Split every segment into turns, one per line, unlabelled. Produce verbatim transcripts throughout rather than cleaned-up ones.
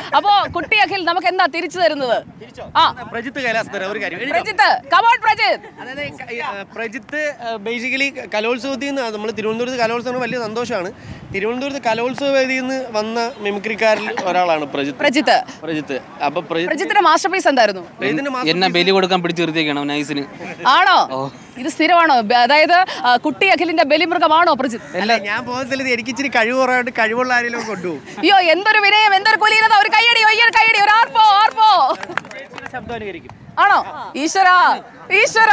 അപ്പോ കുട്ടി അഖിൽ നമുക്ക് എന്താ തിരിച്ചു തരുന്നത്? ആ
പ്രജിത്ത് കൈലാസ് തരാം ഒരു കാര്യം.
പ്രജിത്ത് കമോൺ പ്രജിത്ത്.
അതായത് പ്രജിത്ത് ബേസിക്കലി കലോത്സവത്തിൽ നിന്ന് നമ്മൾ തിരുവനന്തപുരത്ത് കലോത്സവം വലിയ സന്തോഷമാണ്. തിരുവനന്തപുരത്ത് കലോത്സവ വേദിയിൽ നിന്ന് വന്ന മിമിക്രിക്കാരിൽ ഒരാളാണ് പ്രജിത്ത്.
പ്രജിത്ത്
പ്രജിത്ത് അപ്പൊ
പ്രജിത്തിന്റെ മാസ്റ്റർ പീസ് എന്തായിരുന്നു?
എന്നെ ബലി കൊടുക്കാൻ പിടിച്ചു നിർത്തിയേക്കണം നൈസിന്.
ആണോ? ഇത് സ്ഥിരമാണോ? അതായത് കുട്ടി അഖിലിന്റെ ബലിമൃഗമാണോ പ്രജിത്ത്?
അല്ല, ഞാൻ പോകുന്ന സ്ഥലത്ത് എനിക്ക് ഇച്ചിരി കഴിവ് കുറവായിട്ട് കഴിവുള്ള ആരെങ്കിലും കൊണ്ടുപോകും.
അയ്യോ എന്തൊരു വിനയം, എന്തൊരു കുലീനത! ഒരു കൈയടി, ഒരു കൈയടി, ഒരു ആർപ്പോ ആർപ്പോ.
ശബ്ദം അനുകരിക്കും.
ആണോ? ഈശ്വരാ ഈശ്വരാ.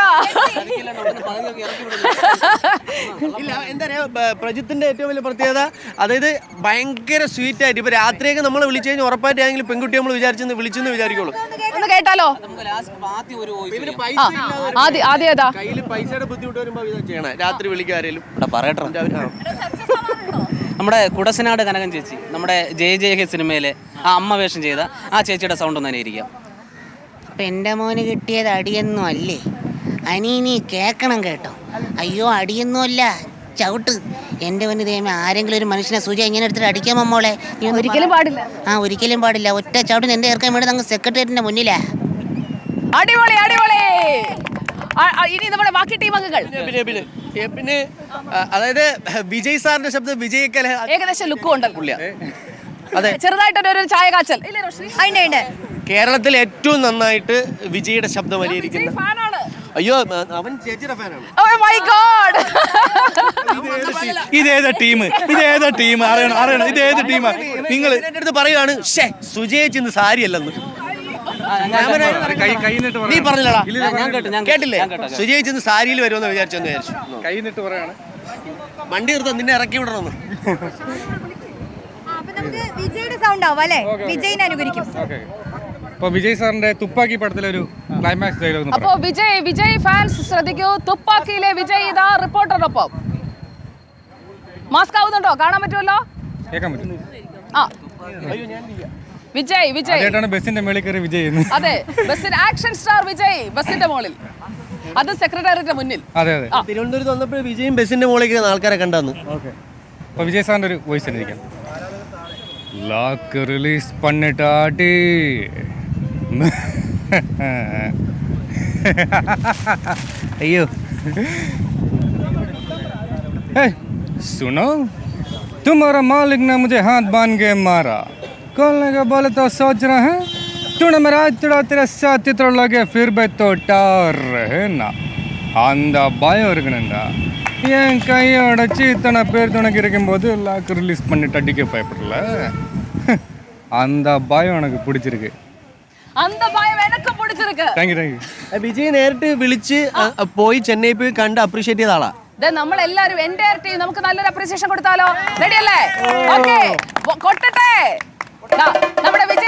ഇല്ല, എന്താ പറയാ, പ്രജിത്തിന്റെ ഏറ്റവും വലിയ പ്രത്യേകത അതായത് ഭയങ്കര സ്വീറ്റ് ആയിട്ട് ഇപ്പൊ രാത്രിയൊക്കെ നമ്മൾ വിളിച്ചു കഴിഞ്ഞാൽ ഉറപ്പായിട്ട് ഏതെങ്കിലും പെൺകുട്ടി നമ്മൾ വിചാരിച്ചെന്ന് വിളിച്ചെന്ന് വിചാരിക്കുള്ളൂ.
ഒന്ന് കേട്ടാലോ? ആദ്യം ഏതാ?
കയ്യിൽ പൈസയുടെ ബുദ്ധിമുട്ട് വരുമ്പോ ഇതാ ചെയ്യണേ, രാത്രി വിളിക്കാരേലും
പറയട്ടോ. നമ്മുടെ കുടസനാട് കനകൻ ചേച്ചി, നമ്മുടെ ജയ ജയ ഹേ സിനിമയിലെ ആ അമ്മ വേഷം ചെയ്ത ആ ചേച്ചിയുടെ സൗണ്ട് ഒന്ന് അനുകരിക്കാം.
അപ്പം എൻ്റെ മോന് കിട്ടിയത് അടിയൊന്നും അല്ലേ, അനീനി കേൾക്കണം കേട്ടോ. അയ്യോ അടിയൊന്നും അല്ല, ചവിട്ട്. എൻ്റെ മോന് ദൈവമേ, ആരെങ്കിലും ഒരു മനുഷ്യനെ സൂചി ഇങ്ങനെ എടുത്തിട്ട് അടിക്കാമോ മോളെ?
ഒരിക്കലും പാടില്ല.
ആ ഒരിക്കലും പാടില്ല. ഒറ്റ ചവിട്ടിന് എൻ്റെ ഇറക്കാൻ വേണ്ടി അങ്ങ് സെക്രട്ടേറിയറ്റിന്റെ മുന്നിലാ.
അടിപൊളി അടിപൊളി. ഇനി നമ്മുടെ ബാക്കി ടീം അംഗങ്ങൾ.
പിന്നെ പിന്നെ അതായത് വിജയ് സാറിന്റെ ശബ്ദം വിജയ്ക്കല
ഏകദേശം ലുക്കും ഉണ്ടല്ലോ.
അതെ,
ചെറുതായിട്ടൊരു ചായ കാച്ചൽ.
കേരളത്തിൽ ഏറ്റവും നന്നായിട്ട് വിജയുടെ ശബ്ദം പരിഹരിക്കുന്ന. അയ്യോ, അവൻ ചേച്ചിയുടെ ഫാനാണ്.
ഇതേതാ ടീം? ഇതേതാ ടീം? അറിയണം അറിയണം ഇതേത് ടീമാ? നിങ്ങൾ
എന്റെ അടുത്ത് പറയുകയാണ്, ഷേ സുജയിച്ച് ഇന്ന് സാരി അല്ലെന്ന്. നീ പറഞ്ഞില്ലടാ, കേട്ടില്ലേ? സുജയിച്ച് ഇന്ന് സാരിയിൽ വരുമെന്ന് വിചാരിച്ചെന്ന് വിചാരിച്ചു.
കൈ നിട്ട് പറയാണ്,
വണ്ടി നിർത്താൻ നിന്നെ ഇറക്കി വിടണമെന്ന്.
വിജയുടെ സൗണ്ട് ആവും അല്ലേ? വിജയിനെ അനുകരിക്കും.
അപ്പൊ വിജയ് സാറിന്റെ തുപ്പാക്കി പടത്തിലെ ഒരു ക്ലൈമാക്സ് ഡയലോഗ്.
അപ്പോ വിജയ് വിജയ് ഫാൻസ് ശ്രദ്ധിക്കൂ. തുപ്പാക്കിയിലെ വിജയ് ഇതാ റിപ്പോർട്ടറിനൊപ്പം. മാസ്ക് ആവുന്നുണ്ടോ? കാണാൻ പറ്റുമല്ലോ,
കേൾക്കാൻ പറ്റും.
ആ വിജയ് വിജയ്
ആദ്യമായിട്ടാണ് ബസിന്റെ മേളിൽ കയറി വിജയ് ചെയ്യുന്നത്.
അതെ, ബസിന്റെ ആക്ഷൻ സ്റ്റാർ വിജയ് ബസിന്റെ മുകളിൽ, അത് സെക്രട്ടേറിയറ്റിന്റെ മുന്നിൽ.
അതെ അതെ.
തിരുവനന്തപുരത്ത് വന്നപ്പോൾ വിജയും ബസിന്റെ മുകളിൽ കയറുന്ന ആൾക്കാരെ കണ്ടെന്ന്.
ഓക്കെ, അപ്പൊ വിജയ് സാറിന്റെ ഒരു വോയിസ് അനുകരിക്കാം. லாக் ரிலீஸ் பண்ணிட்டாடி. अयो सुनो, तुम्हारा मालिक ने मुझे हाथ बांध के मारा, खोलने का बोले तो सोच रहे हैं तूने मेरा आज तुड़ा तेरे साथ इतना लगे फिर भी तो टार रहे ना. அந்த பயம் இருக்குனுண்டா. என் கையோட சீத்தனை பேர் துணைக்கு இருக்கும்போது லாக் ரிலீஸ் பண்ணிட்டு அடிக்க பயப்படல. அந்த பயம் எனக்கு பிடிச்சிருக்கு.
அந்த பயம் எனக்கு பிடிச்சிருக்கு.
Thank you thank you.
Vijay നേരിട്ട് വിളിച്ച് പോയി ചെന്നൈ പോയി കണ്ട് അപ്രീഷിയേറ്റ് ചെയ്ത ആളാ.
നമ്മൾ എല്ലാവരും എൻ്റെ ടീം നമുക്ക് നല്ലൊരു അപ്രീസിയേഷൻ കൊടുത്താലോ? റെഡി അല്ലേ? ഓക്കെ, കൊട്ടട്ടെ. നമ്മുടെ വിജയ്